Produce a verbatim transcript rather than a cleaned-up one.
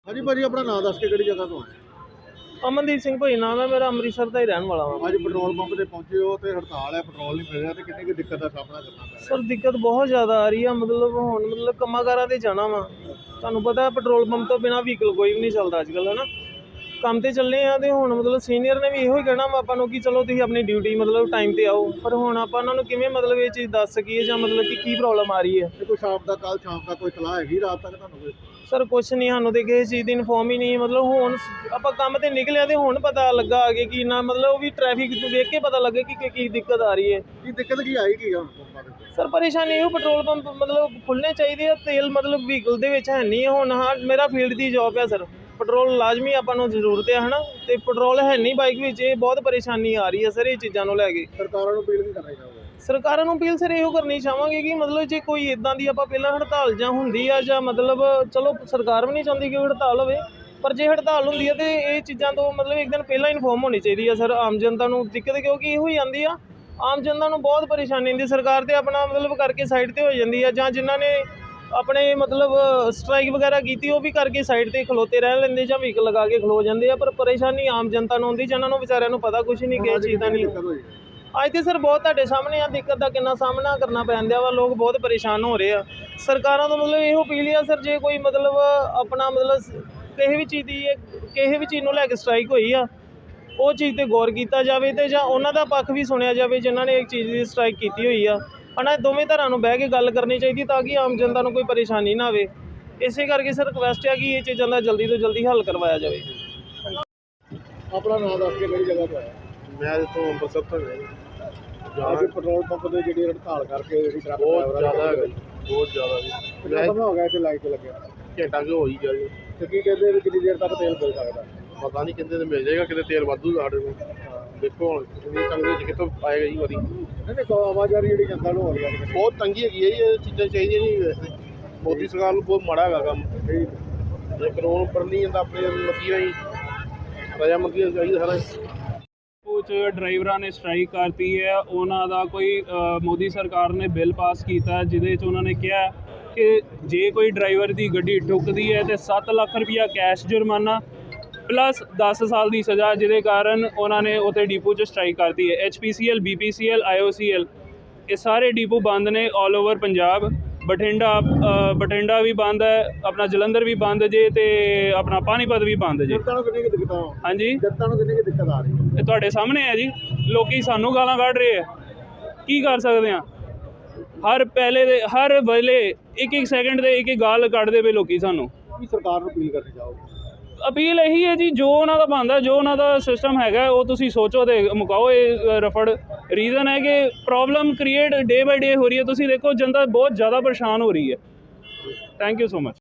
ਹਾਂਜੀ ਭਾਜੀ, ਆਪਣਾ ਨਾਮ ਦੱਸ ਕੇ ਕਿਹੜੀ ਜਗ੍ਹਾ ਤੋਂ ਆਏ? ਅਮਨਦੀਪ ਸਿੰਘ ਭਾਈ ਨਾਮ ਹੈ ਮੇਰਾ, ਅੰਮ੍ਰਿਤਸਰ ਦਾ ਹੀ ਰਹਿਣ ਵਾਲਾ ਹਾਂ। ਅੱਜ ਪੈਟਰੋਲ ਪੰਪ ਤੇ ਪਹੁੰਚੇ ਹੋ ਤੇ ਹੜਤਾਲ ਹੈ, ਪੈਟਰੋਲ ਨਹੀਂ ਮਿਲ ਰਿਹਾ ਤੇ ਕਿੰਨੀ ਕੁ ਦਿੱਕਤ ਦਾ ਸਾਹਮਣਾ ਕਰਨਾ ਪੈ ਰਿਹਾ? ਸਰ ਦਿੱਕਤ ਬਹੁਤ ਜ਼ਿਆਦਾ ਆ ਰਹੀ ਆ, ਮਤਲਬ ਹੁਣ ਮਤਲਬ ਕੰਮਾਂ ਕਾਰਾਂ ਤੇ ਜਾਣਾ ਵਾ। ਤੁਹਾਨੂੰ ਪਤਾ ਪੈਟਰੋਲ ਪੰਪ ਤੋਂ ਬਿਨਾਂ ਵਹੀਕਲ ਕੋਈ ਵੀ ਨਹੀਂ ਚੱਲਦਾ ਅੱਜ ਕੱਲ੍ਹ, ਹੈ ਨਾ। ਕੰਮ ਤੇ ਚੱਲੇ ਆ ਤੇ ਹੁਣ ਮਤਲਬ ਸੀਨੀਅਰ ਨੇ ਵੀ ਇਹੋ ਹੀ ਕਹਿਣਾ ਵਾ ਆਪਾਂ ਨੂੰ ਕਿ ਚਲੋ ਤੁਸੀਂ ਆਪਣੀ ਡਿਊਟੀ ਮਤਲਬ ਟਾਈਮ ਤੇ ਆਓ, ਪਰ ਹੁਣ ਆਪਾਂ ਉਹਨਾਂ ਨੂੰ ਕਿਵੇਂ ਮਤਲਬ ਇਹ ਚੀਜ਼ ਦੱਸ ਸਕੀਏ ਜਾਂ ਮਤਲਬ ਕਿ ਕੀ ਪ੍ਰੋਬਲਮ ਆ ਰਹੀ ਹੈ। ਤੇ ਕੋਈ ਸ਼ਾਮ ਦਾ ਕੱਲ ਸ਼ਾਮ ਦਾ ਕੋਈ ਸਲਾਹ ਹੈਗੀ ਰਾਤ ਤੱਕ ਤੁਹਾਨੂੰ ਕੋਈ? ਸਰ ਕੁਛ ਨਹੀਂ, ਸਾਨੂੰ ਤੇ ਕਿਸੇ ਚੀਜ਼ ਦੀ ਇਨਫੋਰਮ ਹੀ ਨਹੀਂ। ਮਤਲਬ ਹੁਣ ਆਪਾਂ ਕੰਮ ਤੇ ਨਿਕਲਿਆ ਤੇ ਹੁਣ ਪਤਾ ਲੱਗਾ ਅੱਗੇ ਕਿ ਨਾ ਮਤਲਬ ਉਹ ਵੀ ਟ੍ਰੈਫਿਕ ਵੇਖ ਕੇ ਪਤਾ ਲੱਗੇ ਕਿ ਕੀ ਦਿੱਕਤ ਆ ਰਹੀ ਹੈ। ਕੀ ਦਿੱਕਤ ਕੀ ਆਈ ਕੀ ਹੁਣ ਪੰਪਾਂ ਦੇ ਉੱਤੇ? ਸਰ ਪਰੇਸ਼ਾਨੀ ਇਹੋ, ਪੈਟਰੋਲ ਪੰਪ ਮਤਲਬ ਖੁੱਲ੍ਹਣੇ ਚਾਹੀਦੇ ਆ, ਤੇਲ ਮਤਲਬ ਵਹੀਕਲ ਦੇ ਵਿੱਚ ਹੈ ਨਹੀਂ ਹੁਣ। ਹਾਂ ਮੇਰਾ ਫੀਲਡ ਦੀ ਜੋਬ ਹੈ ਸਰ, ਪੈਟਰੋਲ ਲਾਜ਼ਮੀ ਆਪਾਂ ਨੂੰ ਜ਼ਰੂਰਤ ਹੈ, ਹੈ ਨਾ। ਅਤੇ ਪੈਟਰੋਲ ਹੈ ਨਹੀਂ ਬਾਈਕ ਵਿੱਚ, ਇਹ ਬਹੁਤ ਪਰੇਸ਼ਾਨੀ ਆ ਰਹੀ ਹੈ ਸਰ ਇਹ ਚੀਜ਼ਾਂ ਨੂੰ ਲੈ ਕੇ। ਸਰਕਾਰਾਂ ਨੂੰ ਅਪੀਲ ਕੀ ਕਰਨਾ ਚਾਹੋਗੇ? ਸਰਕਾਰਾਂ ਨੂੰ ਅਪੀਲ ਸਰ ਇਹੋ ਕਰਨੀ ਚਾਹਾਂਗੇ ਕਿ ਮਤਲਬ ਜੇ ਕੋਈ ਇੱਦਾਂ ਦੀ ਆਪਾਂ ਪਹਿਲਾਂ ਹੜਤਾਲ ਜਾਂ ਹੁੰਦੀ ਆ ਜਾਂ ਮਤਲਬ ਚਲੋ ਸਰਕਾਰ ਵੀ ਨਹੀਂ ਚਾਹੁੰਦੀ ਕਿ ਹੜਤਾਲ ਹੋਵੇ, ਪਰ ਜੇ ਹੜਤਾਲ ਹੁੰਦੀ ਹੈ ਤਾਂ ਇਹ ਚੀਜ਼ਾਂ ਤੋਂ ਮਤਲਬ ਇੱਕ ਦਿਨ ਪਹਿਲਾਂ ਇਨਫੋਰਮ ਹੋਣੀ ਚਾਹੀਦੀ ਹੈ ਸਰ ਆਮ ਜਨਤਾ ਨੂੰ। ਦਿੱਕਤ ਕਿਉਂਕਿ ਇਹੋ ਹੀ ਆਉਂਦੀ ਆ, ਆਮ ਜਨਤਾ ਨੂੰ ਬਹੁਤ ਪਰੇਸ਼ਾਨੀ ਹੁੰਦੀ। ਸਰਕਾਰ ਤਾਂ ਆਪਣਾ ਮਤਲਬ ਕਰਕੇ ਸਾਈਡ 'ਤੇ ਹੋ ਜਾਂਦੀ ਆ, ਜਾਂ ਜਿਨ੍ਹਾਂ ਨੇ ਆਪਣੇ ਮਤਲਬ ਸਟ੍ਰਾਈਕ ਵਗੈਰਾ ਕੀਤੀ ਉਹ ਵੀ ਕਰਕੇ ਸਾਈਡ 'ਤੇ ਖਲੋਤੇ ਰਹਿ ਲੈਂਦੇ ਜਾਂ ਵਹੀਕਲ ਲਗਾ ਕੇ ਖਲੋ ਜਾਂਦੇ ਆ, ਪਰ ਪਰੇਸ਼ਾਨੀ ਆਮ ਜਨਤਾ ਨੂੰ ਹੁੰਦੀ ਜਿਹਨਾਂ ਨੂੰ ਵਿਚਾਰਿਆਂ ਨੂੰ ਪਤਾ ਕੁਛ ਨਹੀਂ ਕਿਸੇ ਚੀਜ਼ ਦਾ ਨਹੀਂ। ਅੱਜ ਤੇ ਸਰ ਬਹੁਤ ਤੁਹਾਡੇ ਸਾਹਮਣੇ ਆ ਦਿੱਕਤ ਦਾ ਕਿੰਨਾ ਸਾਹਮਣਾ ਕਰਨਾ ਪੈਂਦਾ ਵਾ, ਲੋਕ ਬਹੁਤ ਪਰੇਸ਼ਾਨ ਹੋ ਰਹੇ ਆ। ਸਰਕਾਰਾਂ ਤੋਂ ਮਤਲਬ ਇਹੋ ਅਪੀਲ ਆ ਸਰ, ਜੇ ਕੋਈ ਮਤਲਬ ਆਪਣਾ ਮਤਲਬ ਕਿਸੇ ਵੀ ਚੀਜ਼ ਦੀ ਕਿਸੇ ਵੀ ਚੀਜ਼ ਨੂੰ ਲੈ ਕੇ ਸਟ੍ਰਾਈਕ ਹੋਈ ਆ, ਉਹ ਚੀਜ਼ 'ਤੇ ਗੌਰ ਕੀਤਾ ਜਾਵੇ ਅਤੇ ਜਾਂ ਉਹਨਾਂ ਦਾ ਪੱਖ ਵੀ ਸੁਣਿਆ ਜਾਵੇ ਜਿਨ੍ਹਾਂ ਨੇ ਇੱਕ ਚੀਜ਼ ਦੀ ਸਟ੍ਰਾਈਕ ਕੀਤੀ ਹੋਈ ਆ। ਹਨਾ ਦੋਵੇਂ ਧਿਰਾਂ ਨੂੰ ਬਹਿ ਕੇ ਗੱਲ ਕਰਨੀ ਚਾਹੀਦੀ ਤਾਂ ਕਿ ਆਮ ਜਨਤਾ ਨੂੰ ਕੋਈ ਪਰੇਸ਼ਾਨੀ ਨਾ ਆਵੇ। ਇਸੇ ਕਰਕੇ ਸਰ ਰਿਕੁਐਸਟ ਆ ਕਿ ਇਹ ਚੀਜ਼ਾਂ ਦਾ ਜਲਦੀ ਤੋਂ ਜਲਦੀ ਹੱਲ ਕਰਵਾਇਆ ਜਾਵੇ। ਆਪਣਾ ਨਾਮ ਦੱਸ ਕੇ ਕਿਹੜੀ ਜਗ੍ਹਾ ਤੋਂ ਆਇਆ? ਮੈਂ ਇੱਥੋਂ ਅੰਮ੍ਰਿਤਸਰ ਤੋਂ ਅੱਜ ਪੈਟਰੋਲ ਪੰਪ ਦੇ ਜਿਹੜੀ ਹੜਤਾਲ ਕਰਕੇ ਜਿਹੜੀ ਟਰੱਕ ਬਹੁਤ ਜ਼ਿਆਦਾ ਹੈਗਾ ਜੀ, ਬਹੁਤ ਜ਼ਿਆਦਾ ਜੀ। ਕਿੰਨਾ ਸਮਾਂ ਹੋ ਗਿਆ ਇੱਥੇ ਲਾਈਨ 'ਤੇ ਲੱਗਿਆ? ਘੰਟਾ ਕੁ ਹੋ ਹੀ ਗਿਆ ਜੀ। ਤੇ ਕੀ ਕਹਿੰਦੇ ਵੀ ਕਿੰਨੀ ਦੇਰ ਤੱਕ ਤੇਲ ਮਿਲ ਸਕਦਾ? ਪਤਾ ਨਹੀਂ ਕਿੰਨੇ ਤੇ ਮਿਲ ਜਾਏਗਾ, ਕਿਤੇ ਤੇਲ ਵਾਧੂ ਸਾਡੇ ਕੋਲ। ਦੇਖੋ ਹੁਣ ਕਿੰਨੀ ਤੰਗੀ ਵਿੱਚ ਕਿੱਥੋਂ ਆਏਗਾ ਜੀ ਵਾਰੀ। ਨਹੀਂ ਨਹੀਂ ਆਵਾਜ਼ਾਰੀ ਜਿਹੜੀ ਜਨਤਾ ਨੂੰ ਹੋ ਰਹੀ ਹੈ ਬਹੁਤ ਤੰਗੀ ਹੈਗੀ ਹੈ ਜੀ, ਇਹ ਚੀਜ਼ਾਂ ਚਾਹੀਦੀਆਂ ਨਹੀਂ ਵੈਸੇ। ਮੋਦੀ ਸਰਕਾਰ ਨੂੰ ਬਹੁਤ ਮਾੜਾ ਹੈਗਾ ਕੰਮ। ਜੇ ਕਾਨੂੰਨ ਉੱਪਰ ਨਹੀਂ ਜਾਂਦਾ ਆਪਣੇ ਮਰਜ਼ੀ ਨਾਲ ਹੀ ਰਜ਼ਾਮੰਦੀ ਨਾਲ ਚਾਹੀਦਾ ਸਾਰਾ। ਕੁਝ ਡਰਾਈਵਰਾਂ ਨੇ ਸਟ੍ਰਾਈਕ ਕਰਤੀ ਹੈ, ਉਹਨਾਂ ਦਾ ਕੋਈ ਮੋਦੀ ਸਰਕਾਰ ਨੇ ਬਿੱਲ ਪਾਸ ਕੀਤਾ ਜਿਹਦੇ 'ਚ ਉਹਨਾਂ ਨੇ ਕਿਹਾ ਕਿ ਜੇ ਕੋਈ ਡਰਾਈਵਰ ਦੀ ਗੱਡੀ ਠੁੱਕਦੀ ਹੈ ਤੇ ਸੱਤ ਲੱਖ ਰੁਪਈਆ ਕੈਸ਼ ਜੁਰਮਾਨਾ ਪਲੱਸ ਦਸ ਸਾਲ ਦੀ ਸਜ਼ਾ, ਜਿਹਦੇ ਕਾਰਨ ਉਹਨਾਂ ਨੇ ਉੱਥੇ ਡੀਪੂ 'ਚ ਸਟ੍ਰਾਈਕ ਕਰਤੀ ਹੈ। H P C L, B P C L, I O C L ਇਹ ਸਾਰੇ ਡੀਪੂ ਬੰਦ ਨੇ ਆਲ ਓਵਰ ਪੰਜਾਬ। ਬਠਿੰਡਾ ਬਠਿੰਡਾ ਵੀ ਬੰਦ ਹੈ, ਆਪਣਾ ਜਲੰਧਰ ਵੀ ਬੰਦ ਜੇ, ਅਤੇ ਆਪਣਾ ਪਾਣੀਪਤ ਵੀ ਬੰਦ ਜੇ। ਜਨਤਾ ਨੂੰ ਕਿੰਨੀ ਕੁ ਦਿੱਕਤਾਂ? ਹਾਂਜੀ ਜਨਤਾ ਨੂੰ ਕਿੰਨੀ ਕੁ ਦਿੱਕਤ ਆ ਰਹੀ ਹੈ? ਇਹ ਤੁਹਾਡੇ ਸਾਹਮਣੇ ਹੈ ਜੀ, ਲੋਕੀ ਸਾਨੂੰ ਗਾਲਾਂ ਕੱਢ ਰਹੇ ਆ, ਕੀ ਕਰ ਸਕਦੇ ਹਾਂ। ਹਰ ਪਹਿਲੇ ਦੇ ਹਰ ਵੇਲੇ ਇੱਕ ਇੱਕ ਸੈਕਿੰਡ ਦੇ ਇੱਕ ਇੱਕ ਗਾਲ ਕੱਢਦੇ ਪਏ ਲੋਕੀ ਸਾਨੂੰ। ਕੀ ਸਰਕਾਰ ਨੂੰ ਅਪੀਲ ਕਰਨੀ ਚਾਹੋਗੇ? ਅਪੀਲ ਇਹੀ ਹੈ ਜੀ, ਜੋ ਉਹਨਾਂ ਦਾ ਬਣਦਾ, ਜੋ ਉਹਨਾਂ ਦਾ ਸਿਸਟਮ ਹੈਗਾ ਉਹ ਤੁਸੀਂ ਸੋਚੋ ਤੇ ਮੁਕਾਓ ਇਹ ਰਫੜ। ਰੀਜ਼ਨ ਹੈ ਕਿ ਪ੍ਰੋਬਲਮ ਕ੍ਰੀਏਟ ਡੇ ਬਾਈ ਡੇ ਹੋ ਰਹੀ ਹੈ। ਤੁਸੀਂ ਦੇਖੋ ਜਨਤਾ ਬਹੁਤ ਜ਼ਿਆਦਾ ਪਰੇਸ਼ਾਨ ਹੋ ਰਹੀ ਹੈ। Thank you so much.